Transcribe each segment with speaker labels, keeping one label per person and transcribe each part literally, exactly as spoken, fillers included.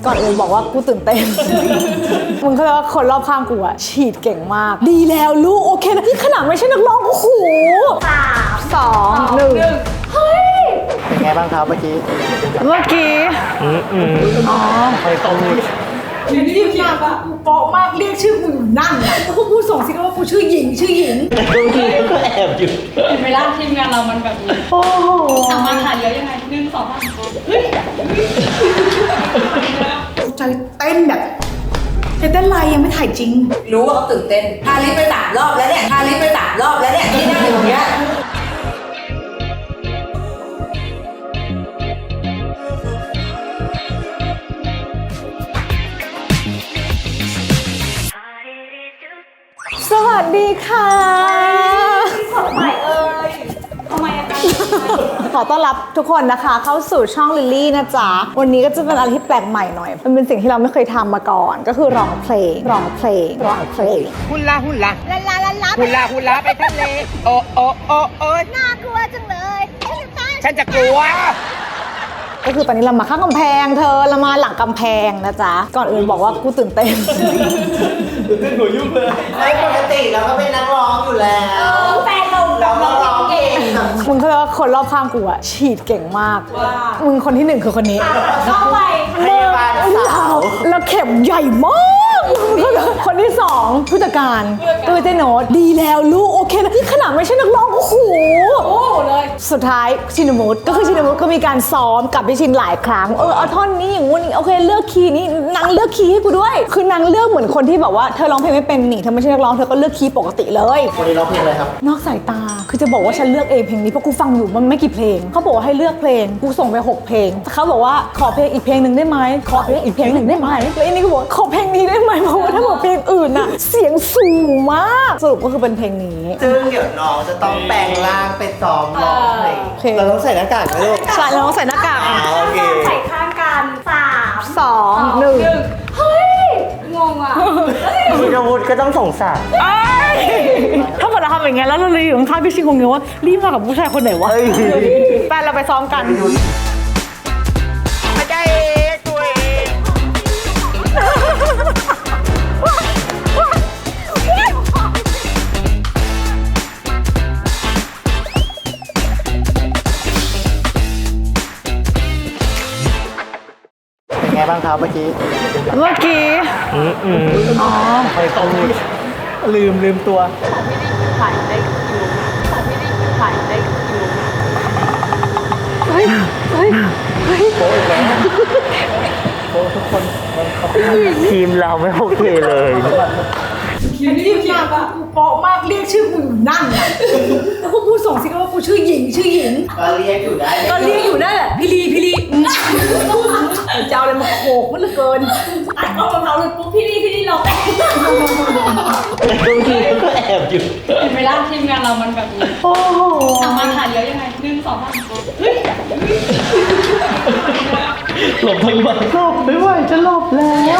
Speaker 1: ก่อนอื่นบอกว่ากูตื่นเต้นมึงเข้าใจว่าคนรอบข้างกูอะฉีดเก่งมากดีแล้วลูกโอเคนะนี่ขนาดไม่ใช่นักร้องโอ้โหสามสองหนึ่งเฮ้ย
Speaker 2: เป็นไงบ้างครับเมื่อกี้
Speaker 1: เมื่อกี้
Speaker 2: อืมอืมอ๋อไปตรงนี้
Speaker 1: อยู่นี่มากอะกูโป๊ะมากเรียกชื่อกูอยู่นั่นอะแล้วกูส่งสิว่ากูชื่อหญิงชื่อหญิง
Speaker 2: บางทีก็แอบอยู่
Speaker 3: เห็นไหมล่ะทีมงานเรามันแบบนี้
Speaker 1: โอ้โห
Speaker 3: ทำมาถ่ายเยอะยังไงหนึ่งสองสามเฮ้ย
Speaker 1: ใจเต้นแบบเต้นไรยังไม่ถ่ายจริง
Speaker 4: รู้ว่าเขาตื่นเต้นพาลิสไปสามรอบแล้วเนี่ยพาลิสไปสามรอบแล้วเนี่ยที่นั่งอยู่ตรงเนี้ย
Speaker 1: สวัสดีค่ะ
Speaker 3: สดใหม่เอ่ยทำไมอะคะ
Speaker 1: ขอต้อนรับทุกคนนะคะเข้าสู่ช่องลิลลี่นะจ๊ะวันนี้ก็จะเป็นอะไรที่แปลกใหม่หน่อยมันเป็นสิ่งที่เราไม่เคยทำมาก่อนก็คือร้องเพลงร้องเพลงร้องเพลง
Speaker 5: ฮุลาฮุลา
Speaker 1: ลาลาลาลา
Speaker 5: ฮุลาฮุลาไปทะเลโอโอโอโอ
Speaker 1: น่ากลัวจังเลย
Speaker 5: ฉันจะกลัว
Speaker 1: ก็คือตอนนี้เรามาข้างกำแพงเธอเรามาหลังกำแพงนะจ๊ะก่อนอื่นบอกว่ากูตื่นเต้น
Speaker 2: ตื่นเต้นหัวยุ่งเลยไม่ปกติเราก็เป็นนักร้องอยู่แล้ว
Speaker 3: แฟนเรา
Speaker 2: เราร้องเก่ง
Speaker 1: มึงเข้าใจว่าคนรอบข้างกูอะฉีดเก่งมากมึงคนที่หนึ่งคือคนนี้
Speaker 3: เข้าไป
Speaker 2: พยาบาลสาว
Speaker 1: แล้วเข็มใหญ่มากคนที่สองผู้จัดการตัวเจโนตดีแล้วลูกโอเคนะนี่ขนาดไม่ใช่นักร้องโอ้โห
Speaker 3: โอ้เลย
Speaker 1: สุดท้ายชินมุตก็คือชินมุตก็มีการซ้อมกับพี่ชินหลายครั้งเออเอาท่อนนี้อย่างงู้นโอเคเลือกคีย์นี้นางเลือกคีย์ให้กูด้วยคือนางเลือกเหมือนคนที่แบบว่าเธอร้องเพลงไม่เป็นนี่เธอไม่ใช่นักร้องเธอก็เลือกคีย์ปกติเลย
Speaker 2: วันนี้ร้องเพลงอะไรครับ
Speaker 1: นอกสายตาคือจะบอกว่าฉันเลือกเองเพลงนี้เพราะกูฟังอยู่มันไม่กี่เพลงเขาบอกว่าให้เลือกเพลงกูส่งไปหกเพลงเขาบอกว่าขอเพลงอีกเพลงหนึ่งได้ไหมขอเพลงอีกเพลงหนึ่งได้ไหมแล้วอันนี้ก็บอกขอเพลงนี้ได้ไหมเพราะว่าถ้าบอกเพลงอื่นน่ะเสียงสูงมากสรุปก็คือเป็นเพลงนี้
Speaker 2: ซึ่งเดี๋ยวน้องจะต้องแปลงร่างเป็นซ้อมร้องเพลงเราต้องใส่หน้ากากไหมลูก
Speaker 1: ใช่เราต้องใส่หน้ากาก
Speaker 2: โอเค
Speaker 3: ใส่ข้างกันสาม
Speaker 1: สองหนึ่ง
Speaker 3: เฮ้ยงงอ่ะ
Speaker 2: ชินวุฒิก็ต้องสงสาร
Speaker 1: ถ้าเกิดเราทำอย่างเงี้ยแล้วเราเลยอยู่ข้างๆพี่ชิงคงเงี้ยว่ารีบมากับผู้ชายคนไหนวะแฟนเราไปซ้อมกัน
Speaker 5: ไม่ได้ตัวเอง
Speaker 2: เป็นไงบ้างครับเมื่อกี้
Speaker 1: เมื่อกี้
Speaker 2: อืมอืม
Speaker 1: อ๋อ
Speaker 2: ไปตรงนี้ลืมลืมตัว
Speaker 3: ถ่ายได้อยู่ของพี่นี่ถ่ายได้อยู่
Speaker 1: เฮ้ยเฮ้ยเฮ้ย
Speaker 2: โป๊ะอีกแล้วโป๊ะทุกคนทีมเราไม่โอเคเลย
Speaker 1: อันนี้มากอะกูโป๊ะมากเรียกชื่อกูอยู่นั่นอะแล้วกูพูดส่งสิว่ากูชื่อหญิงชื่อหญิง
Speaker 2: ก็เรียกอยู่ได้
Speaker 1: ก็เรียกอยู่ได้แหละพี่ลีพี่ลีจะเอาอะไรมาโขกมันเหลือเกิน
Speaker 3: ตัดกล้องเราเลยปุ๊บพี่นี่พี่นี่เราแอบ
Speaker 2: บางทีก็แอบอยู่
Speaker 3: เห็นไหมล่ะทีมงานเรามันแบบนี้
Speaker 1: โอ้โห
Speaker 3: ทำมาถ่ายเยอะยังไงหนึ่งสองสามเฮ้ย
Speaker 2: หลบทั้งวัน
Speaker 1: หลบไม่ไหวจะหลบแล้ว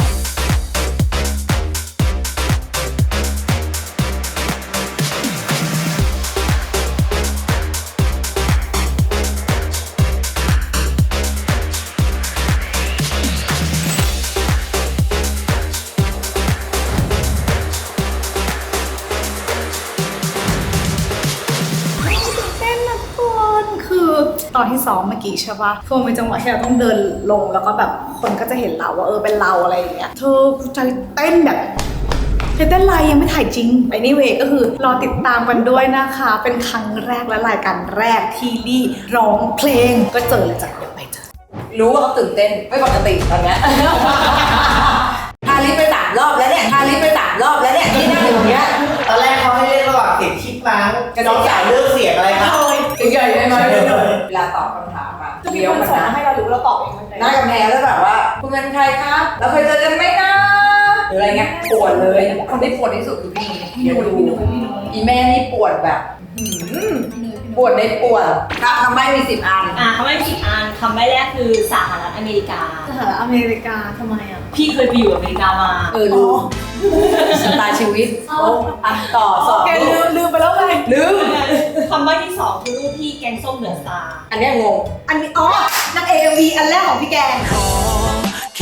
Speaker 1: ตอนที่ซ้อมเมื่อกี้ใช่ปะคือมันเป็นจังหวะที่เราต้องเดินลงแล้วก็แบบคนก็จะเห็นเราว่าเออเป็นเราอะไรอย่างเงี้ยเธอใจเต้นแบบเต้นไรยังไม่ถ่ายจริง anyway ก็คือรอติดตามกันด้วยนะคะเป็นครั้งแรกและรายการแรกที่ลี่ร้องเพลงก็เจอเลยจ้ะเดี๋ยวไปเจอ
Speaker 4: รู้ว่าเขาตื่นเต้นไม่ปกติตอนเนี้ยพาลิสไปสามรอบแล้วเนี่ยพาลิสไปสามรอบแล้วเนี่ยที่นั่งอยู่ตรงเนี้ย
Speaker 2: ตอนแรกเขาให้เล่นระหว่างเสียงชิดมั้งน้องสาวเลือกเสียงอะไรครับ
Speaker 4: ใหญ่ๆไหมเวลาตอบคำถามอะ
Speaker 1: จะมีคนสอนให้เรารู้เราตอบเองมัน
Speaker 4: หน้ากำแพงแล้วแบบว่าคุณเป็นใครครับเราเคยเจอกันไหมนะหรืออะไรเงี้ยปวดเลยคนที่ปวดที่สุดคือพี่เดี๋ยวดูอีแม่นี่ปวดแบบปวดในปวดคำใบ้มีสิบอัน
Speaker 3: อ่ะคำใบ้มีสิบอันคำใบ้แรกคือสหรัฐอเมริกา
Speaker 1: สหรัฐอเมริกาทำไมอ่ะ
Speaker 3: พี่เคยไปอยู่อเมริกามา
Speaker 4: เออดูชะตาชีวิตโอ้อันต่อสอง
Speaker 1: แกลืมลืมไปแล้วไง
Speaker 4: ลืม
Speaker 3: คำใบ้ที่สองคือรูปพี่แกงส้มเดือดตา
Speaker 4: อันนี้งง
Speaker 1: อันนี้อ๋อนางเอวีอันแรกของพี่แกง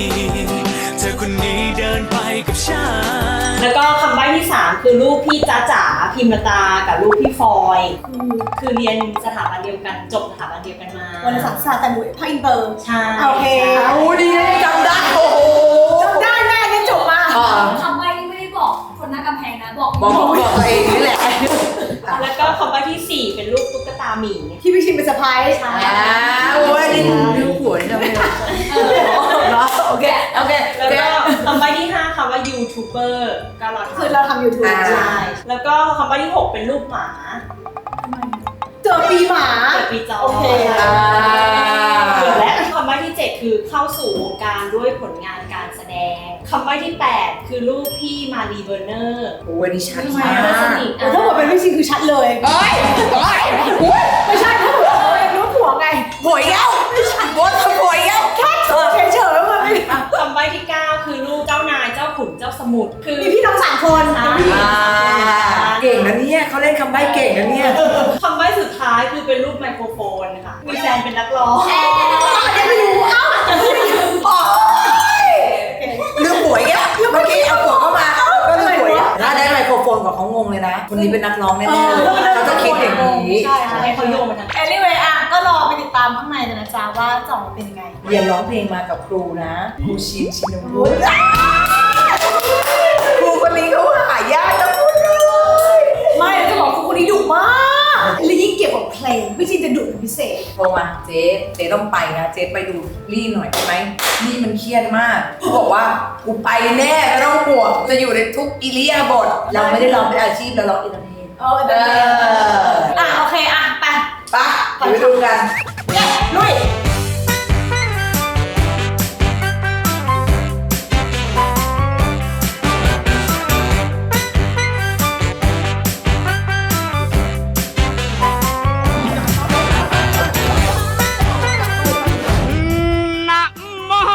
Speaker 6: เธอคนนี้เดินไปกับฉัน
Speaker 7: แล้วก็คำใบ้ที่สามคือลูกพี่จ้าจ๋าพิมรตากับลูกพี่ฟอยคือคือเรียนสถาบันเดียวกันจบสถาบันเดียวกันมา
Speaker 1: วันศาสตร์ศาสตร์แต่หนูภาคอินเตอร์
Speaker 7: ใช่
Speaker 1: โอเค
Speaker 4: เอาดีเลยจำได้โอ้โห
Speaker 1: จำได้แม่เนี่ยจบมา
Speaker 4: อ่า
Speaker 3: คำใบ้นี่ไม่ได้บอกคนหน้ากำแพงนะ บอก
Speaker 4: บอกบอกบอกตัวเองนี่แหละ
Speaker 7: แล้วก็คำใบ้ที่สี่เป็นลูกตุ๊กตาหมี
Speaker 1: ที่พี่ชินเป็นสะพ้าย
Speaker 7: ใช่
Speaker 4: อ่าโอ้ยนี่ดูหัวนี่ทำไมเนาะโอเคโอเคโอ
Speaker 7: แล้ว
Speaker 4: เค
Speaker 7: ก็คำใบ้ที่ห้าคำว่ายูทูบเบอร์ก็เรา
Speaker 1: คือเราทำยูทูบ
Speaker 4: อ่า
Speaker 7: ใช่แล้วก็คำใบ้ที่หกเป็นลูกหมา
Speaker 1: เจอปีหมา
Speaker 7: เกิดปีจอ
Speaker 1: โอเค
Speaker 4: อ่า
Speaker 7: และคำใบ้ที่เจ็ดคือเข้าสู่วงการด้วยผลงานการแสดงคำใบ้ที่แปดคือลูกพี่มารีเบอร์เนอร์
Speaker 4: โอ้ยนี่ชัด
Speaker 7: ทำไม
Speaker 4: มาก
Speaker 7: อะสนิท
Speaker 1: แต่ถ้าบอกเป็นพี่ชินคือชัดเลย
Speaker 4: เฮ้ยเฮ้ยโอ้ย
Speaker 1: ไม่ใช่ถ้าบอกว่าเป็นรู้ผัวไง
Speaker 4: หวยแล้วบนหวยแล้ว
Speaker 1: แค่เฉยเฉยๆมันไม่
Speaker 7: คำใบ้ที่เก้าคือลูกเจ้านายเจ้าขุนเจ้าสมุทรคือ
Speaker 1: มีพี่น้องสามคน
Speaker 7: อ่า
Speaker 4: อ่าเก่งนะเนี่ยเขาเล่นคำใบ้เก่งนะเนี่ย
Speaker 7: คำใบ้สุดท้ายคือเป็นรูปไมโครโฟนค่ะมีแฟนเป็นนักร้อง
Speaker 1: ยังไม่รู้เอ้า
Speaker 4: โอ้ยลืมหวยอ่ะเมื่อกี้เอาหัวเข้ามาก็ลืมหวยอ่ะถ้าได้ไมโครโฟนกับเขางงเลยนะ คนนี้เป็นนักร้องแน่ๆเลยเขาจะคิดอย่างนี้
Speaker 1: ใช่
Speaker 7: ใช่ให้เขาโยงมาทาง
Speaker 1: anyway อ่ะก็รอไปติดตามข้างในกันนะจ๊ะว่าจะออกมาเป็นยังไง
Speaker 4: เรียนร้องเพลงมากับครูนะครูชินชินวุฒิครูคนนี้เขาหายากจะพูดเลย
Speaker 1: ไม่จะบอกคือคนนี้ดุมากและยิ่งเกี่ยวกับเพลงพี่ชินจะดุเป็นพิเศษ
Speaker 4: โทรมาเจ๊เจ๊ต้องไปนะเจ๊ไปดูลี่หน่อยได้ไหมลี่มันเครียดมากเขาบอกว่ากูไปแน่ไม่ต้องห่วงจะอยู่ในทุกอิริยาบถเราไม่ได้ร้องเป็นอาชีพเราร้องอินเตอร์เทน
Speaker 1: เออเอออ่ะโอเคอ่ะไป
Speaker 4: ไปไปดูกัน
Speaker 1: เย้ลุย
Speaker 5: นะโม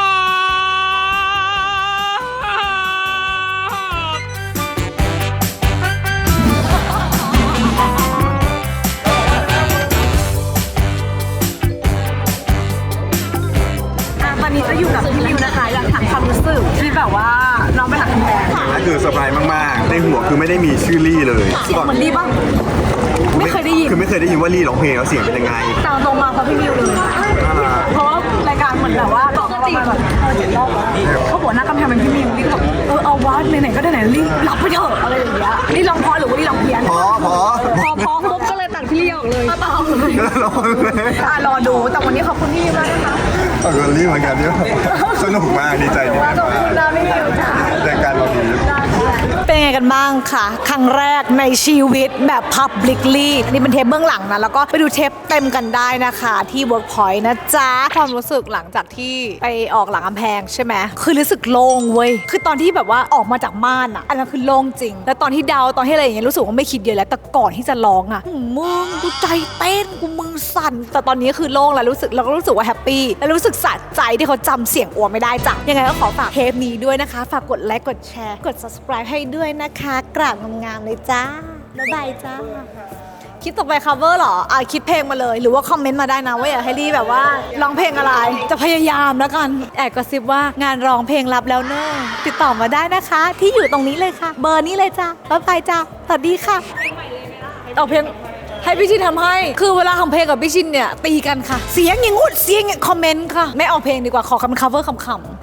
Speaker 1: ตอนนี้จะอยู่กับพี่ริวนะคะอยากถามความรู้สึกที่แบบว่าน้องไปหาคุณแม่
Speaker 8: นั่นคือเซอร์ไพรส์มากๆ ในหัวคือไม่ได้มีชื่อลี่เลย
Speaker 1: เสียงเหมือนรีบ้างไม่เคยได้ยิน
Speaker 8: คือไม่เคยได้ยินว่าลี่ร้องเพลงแล้วเสียงเป็นยังไง
Speaker 1: ตามตรงมาเพราะพี่ริวเลย
Speaker 8: น่ารัก
Speaker 1: เพราะว่ารายการเหมือนแบบว่าบอกมาประมาณแบบเออเจ็ดรอบแล้วเขาบอกหน้ากำแพงเป็นพี่ริวนี่ก็แบบเออเอาวะไหนๆก็ได้ไหนรีบรับไปเถอะอะไรอย่างเงี้ยนี่ลองพอหรือว่านี่ลองเพี้ยน
Speaker 8: พอพอ
Speaker 1: พอพอปุ๊บก็เลยตัดพี่ริวออกเลยก็ต่อเลย
Speaker 8: ร้องเลย
Speaker 1: อ่ะรอดูแต่วันนี้ขอบคุณพี่ริวมากนะคะ
Speaker 8: เออลี่เหมือนกันเนี่ยสนุกมากดีใจดี
Speaker 1: ขอบคุณนะพี่ริวจ้า
Speaker 8: แต่การเราดี
Speaker 1: เป็นไงกันบ้างคะครั้งแรกในชีวิตแบบ publicly นี่เป็นเทปเบื้องหลังนะแล้วก็ไปดูเทปเต็มกันได้นะคะที่ Workpoint นะจ๊ะความรู้สึกหลังจากที่ไปออกหลังกำแพงใช่ไหมคือรู้สึกโล่งเว้ยคือตอนที่แบบว่าออกมาจากม่านอะอันนั้นคือโล่งจริงแล้วตอนที่เดาตอนที่อะไรอย่างเงี้ยรู้สึกว่าไม่คิดเยอะแล้วแต่ก่อนที่จะร้องอะหืมมึงกูใจเต้นกูมือสั่นแต่ตอนนี้คือโล่งแล้วรู้สึกเราก็รู้สึกว่าแฮปปี้แล้วรู้สึกสะใจที่เขาจำเสียงอัวไม่ได้จ้ะยังไงก็ขอฝากเทปนี้ด้วยนะคะฝากกดไลค์กดแชร์กด subscribe ให้ด้วยนะคะกราบงามๆเลยจ้าบ๊ายบายจ้าคลิปต่อไป cover เหรออ่ะคลิปเพลงมาเลยหรือว่าคอมเมนต์มาได้นะว่าอยากให้รีแบบว่าร้องเพลงอะไรจะพยายามแล้วกันแอบกระซิบว่างานร้องเพลงรับแล้วเนอะติดต่อมาได้นะคะ ที่อยู่ตรงนี้เลยค่ะ เบอร์นี้เลยจ้าบ๊ายบายจ้าสวัสดีค่ะเอาเพลงให้พี่ชินทำให้คือเวลาทำเพลงกับพี่ชินเนี่ยตีกันค่ะเสียงอย่างงู้นเสียงอย่างคอมเมนต์ค่ะไม่เอาเพลงดีกว่าขอคำ cover คำๆ